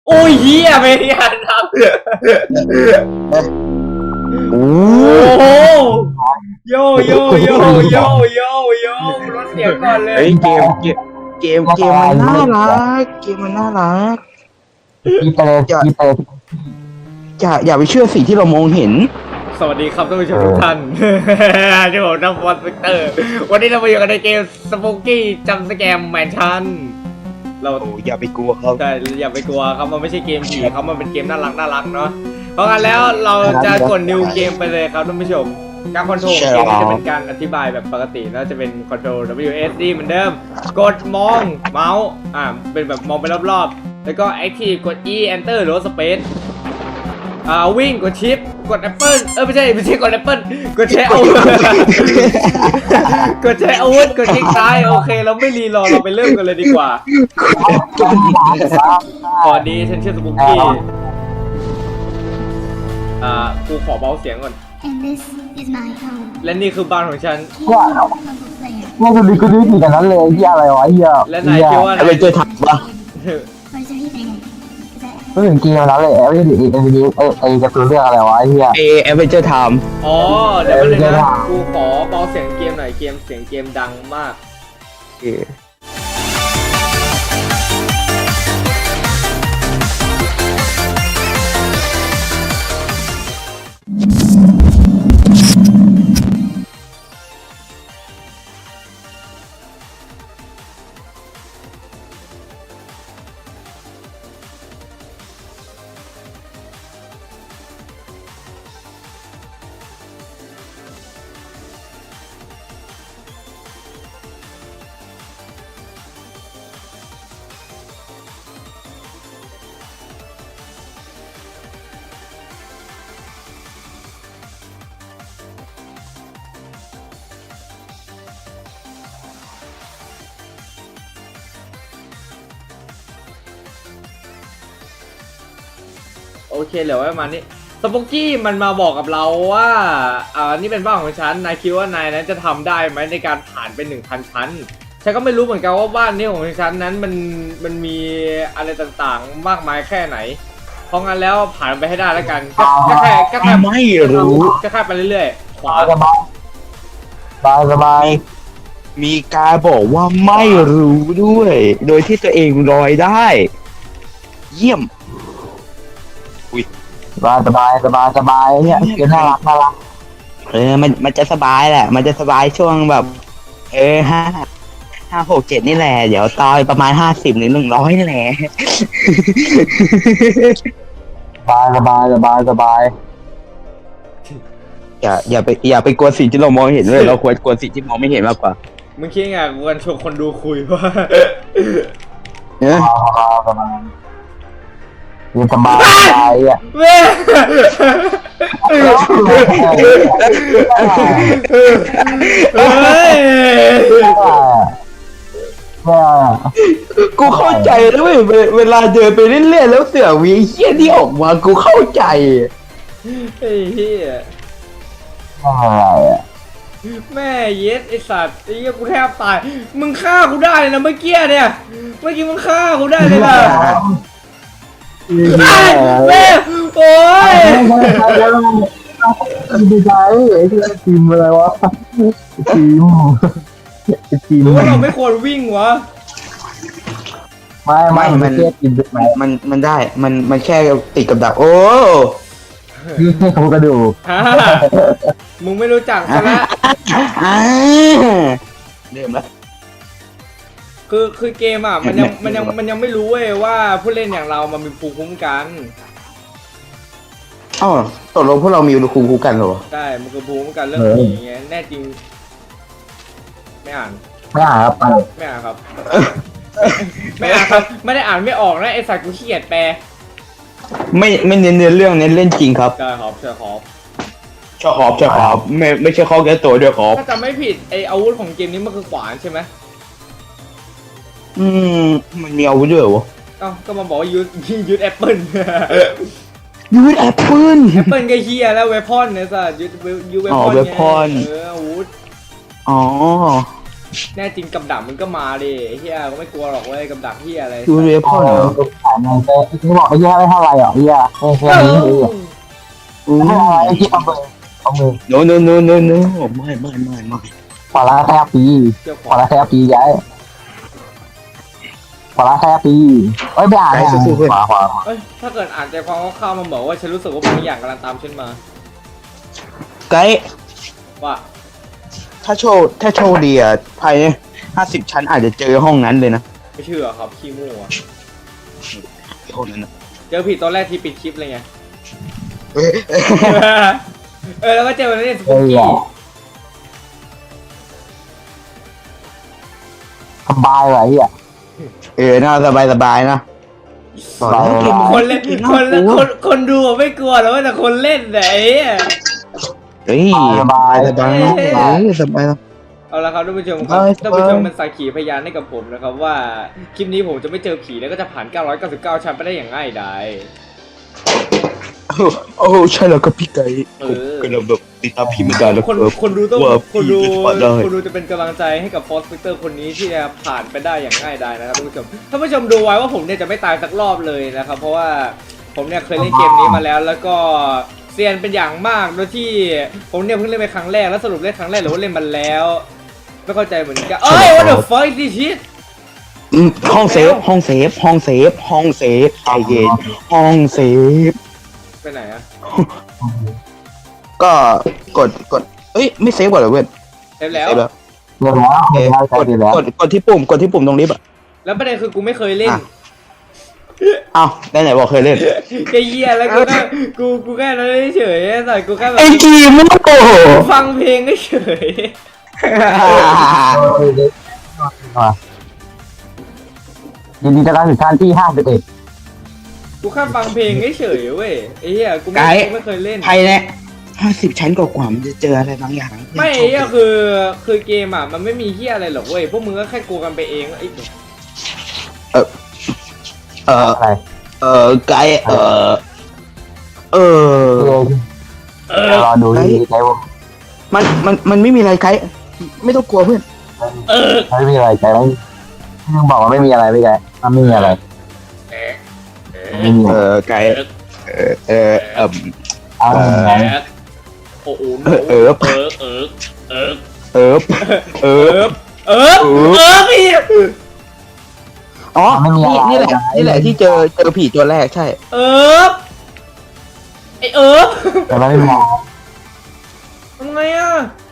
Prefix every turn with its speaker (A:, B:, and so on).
A: โอ้ยเฮียไม่ทันครับ
B: โอ้
A: โหโยโยโยโยโยโยลดเสียงก่อนเลย
B: เฮ้ยเกมมันน่ารักเกมมันน่ารักอย่าไปเชื่อสิ่งที่เรามองเห็น
A: สวัสดีครับท่านผู้ชมทุกท่านที่ผมนักบอลวิกเตอร์วันนี้เรามาอยู่กันในเกมสปูกี้จัมป์สแกมแมนชั่นเรา
B: อย่าไปกลัวเขา
A: ใช่อย่าไปกลัวครับมันไม่ใช่เกมผีครับมันเป็นเกมน่ารักเนาะเพราะงั้นแล้วเราจะกด new เกมไปเลยครับท่านผู้ชมการคอนโทรลเกมจะเป็นการอธิบายแบบปกติแล้วจะเป็นคอนโทรล WSD เหมือนเดิมกดมองเมาส์เป็นแบบมองไปรอบๆแล้วก็ active กด E enter หรือว่า space วิ่งกดชิปกด Apple ไม่ใช่กด Apple กดใช้อาวุธกดใช้อาวุธกดคลิกซ้ายโอเคเราไม่รีรอเราไปเริ่มกันเลยดีกว่าก่อนดีฉันชื่อสปุกกี้กูขอเบาเสียงก่อนและนี่คือบ้านของฉัน
C: ว่าจะมีกูดีกันนั้นเลยที่อะไรวะเฮีย
A: และนายคิดว่า
B: อะไรเจอถังวะ
C: ก็ถึงเกมนั้นเลยไอ้จะตัวเรื่องอะไรวะเฮีย
B: แอเวนเจอร์ไทม์
A: อ๋อเดี๋ยวเลยนะกูขอเบาเสียงเกมหน่อยเสียงเกมดังมากโอเคเหลือไว้ประมาณนี้สปุกกี้มันมาบอกกับเราว่านี่เป็นบ้านของฉันนายคิดว่านายนั้นจะทำได้ไหมในการผ่านไป 1,000 ชั้นฉันก็ไม่รู้เหมือนกันว่าบ้านนี้ของฉันนั้นมันมีอะไรต่างๆมากมายแค่ไหนเพราะงั้นแล้วผ่านไปให้ได้แล้วกันก็แค่
B: ไม่รู้
A: ก็แค่ไปเรื่อยๆขวา
C: สบาย
B: มีการบอกว่าไม่รู้ด้วยโดยที่ตัวเองลอยได้เยี่ยม
C: สบายเนี่ยเกมน่ารัก
B: มันจะสบายแหละมันจะสบายช่วงแบบ5 6 7นี่แหละเดี๋ยวตายประมาณ50หรือ100นี่แหละ
C: สบาย
B: อย่าไปกลัวสิ่งที่เรามองเห็นเลยเราควรกลัวสิ่งที่มองไม่เห็นมากกว่า
A: มึงคิดไงกูกันชวนคนดูคุยว่า
C: สบายอ่ะ
A: เว้ย
B: กูเข้าใจแล้วเวลาเดินไปเรื่อยๆแล้วเสือวีเหี้ยที่ออกมากูเข้าใจ
A: ไอ้เหี้ยแม่เย็ดไอสัตว์ไอ้เหี้ยกูแทบตายมึงฆ่ากูได้เลยนะเมื่อกี้เนี่ยเมื่อกี้มึงฆ่ากูได้เลยนะแม่โอ้ย
C: ดีใจไอ้ที่ทีมอะไรวะทีม
A: หรือว่าเราไม่ควรวิ่งวะ
C: ไม่
B: มันได้มันแค่ติดกับดักโอ้
C: ให้เขากระดูก
A: มึงไม่รู้จักซะแล้ว
B: เริ่มแล้ว
A: คือเกมมันยังไม่รู้เว้ยว่าผู้เล่นอย่างเรามันมีภูมิคุ้มกัน
B: ตกลงพวกเรามีภูมิคุ้มกันเหรอ
A: ใช่มันคือภูมิคุ้มกันเรื่องผีไงแน่จริงไม่อ่าน
C: ครับ
A: ไม่อ่านครับไม่อ่านครับไม่ได้อ่านไม่ออกนะไอสัตว์กูขี้เกียจแปล
B: ไม่เน้นเรื่องเน้นเล่นจริงครับ
A: ใช่ครับใช่
B: ไม่ใช่ข้อแก้ตัวด้วยครับ
A: ถ้าจำไม่ผิดไออาวุธของเกมนี้มันคือขวานใช่ไหม
B: มันมีอาวุธด้วยเหรอ
A: ก็มาบอกว่ายูดแอปเปิล
B: ยูดแอปเปิล
A: ก็เฮียแล้วเวพอนเนี่ยสัสยูเวพอน
B: อาวุธ
A: แน่จริงกับดักมึงก็มาดิไอ้เฮียก็ไม่กลัวหรอกเว้ยกับดักเฮียอะไร
B: ดูเรพ
C: พ่อ
B: อนเหรอ
C: ขายเงินไปที่บอกไอ้เหี้ยไม่เท่าไรหรอกไอ้เหี้ยแค่นี้เอง
B: อืม
C: ไม่เท่าไรไอ้ที่เอามือ
B: โนโนโนโนโนไม่
C: ขอละแค่ปี
A: เกี่ยวข
C: ข
A: อ
C: อละแค่ปีย้ายขอละแค่ปีเอ้ยไม่อ่านไม่อ่านขวา
A: เอ้ยถ้าเกิดอ่านใจความคร่าวๆมันบอกว่าฉันรู้สึกว่าบางอย่างกำลังตามฉันมา
B: ไกด์
A: ว่า
B: ถ้าโชว์ดีอ่ะภายใน50 ชั้นอาจจะเจอห้องนั้นเลยนะ
A: ไม่เชื่อครับขี้มั่ว
B: ห้องนั้นนะ
A: เจอผีตอนแรกที่ปิดคลิปเลยไง
B: เอ้ย
A: แล้วก็เจอวันนี้ส
C: เอ้
A: ปุก
C: ย
A: กี้
C: สบายเลยอ่ะ
B: น่าสบายนะบอกแล้วเกม
A: คนเล่นคนดูไม่กลัวแล้วแต่คนเล่นไหน
B: เฮ้ยสบายสบายนะ
A: เอาละครับท่านผู้ชมครับ
B: ไป
A: ท่านผู้ชมเป็นสักขีพยานให้กับผมนะครับว่าคลิปนี้ผมจะไม่เจอผีแล้วก็จะผ่าน 999 ชั้นไปได้อย่างง่ายดาย
B: โอ้ใช่แล้วก็พี่ไก่
A: เออ
B: ก็เราแบบติดตามพี่มานานแล้ว
A: คนดูต้อง
B: ว่า
A: คนดู
B: พี่ผ่านได้
A: คนดูจะเป็นกำลังใจให้กับฟอสฟิกเตอร์คนนี้ที่จะผ่านไปได้อย่างง่ายดายนะครับท่านผู้ชมท่านผู้ชมดูไว้ว่าผมเนี่ยจะไม่ตายสักรอบเลยนะครับเพราะว่าผมเนี่ยเคยเล่นเกมนี้มาแล้วแล้วก็เซียนเป็นอย่างมากโดยที่ผมเนี่ยเพิ่งเล่นไปครั้งแรกแล้วสรุปเล่นครั้งแรกหรือว่าเล่นมันแล้วไม่เข้าใจเหมือนกันเอ้ย what the fuck is this shit
B: ห้องเซฟใจเย็นห้องเซฟ
A: ไปไหนอะ
B: ก็กดเอ้ยไม่เซฟก่อนเหรอเว้ย
A: เสร็จแล้ว
B: เซฟแล้ว
C: เรียบร้อย
B: เอ๊ะ
C: ใจดีแล้ว
B: กดที่ปุ่มตรงลิฟต์อ่ะ
A: แล้วประเด็นคือกูไม่เคยเล่น
B: อ่ะ อ้าวได้ไหนบอกเคยเล่น
A: แกเหี้ยแล้วกูแค่นั้นเฉยๆแต่กูแค่แบบ
B: ไอ้ทีมไม่ต้องโกหก
A: ฟังเพลงเฉย
C: ยินดีต้อนรับถึงขั้นที่51
A: กูแค่ฟังเพลงเฉยๆเว้ยไอ้เหี้ยกูไม่เคยเล่น
B: ไทยเนี่ย50 ชั้นกว่ามันจะเจออะไรบางอย่าง
A: ไม่ไอ้เหี้ยคือเกมอ่ะมันไม่มีเหี้ยอะไรหรอกเว้ยพวกมึงก็แค่กลัวกันไปเองไอ้
C: อะไร
B: ไกด์
C: รอดูดีใจว่า
B: มันไม่มีอะไรไกด์ไม่ต้องกลัวเพื่อน
C: ไม่มีอะไรใจไม่มึงบอกว่าไม่มีอะไรไม่ใจมันไม่มีอะไรไม่มี
B: ไกด์
C: เอาไง
A: โอ้โห
B: เออ
A: พี่
B: อ๋อนี่แหละที่เจอผีตัวแรกใช่
A: ไอ
C: แต่ไม่มอง
A: ทำไงอ่ะ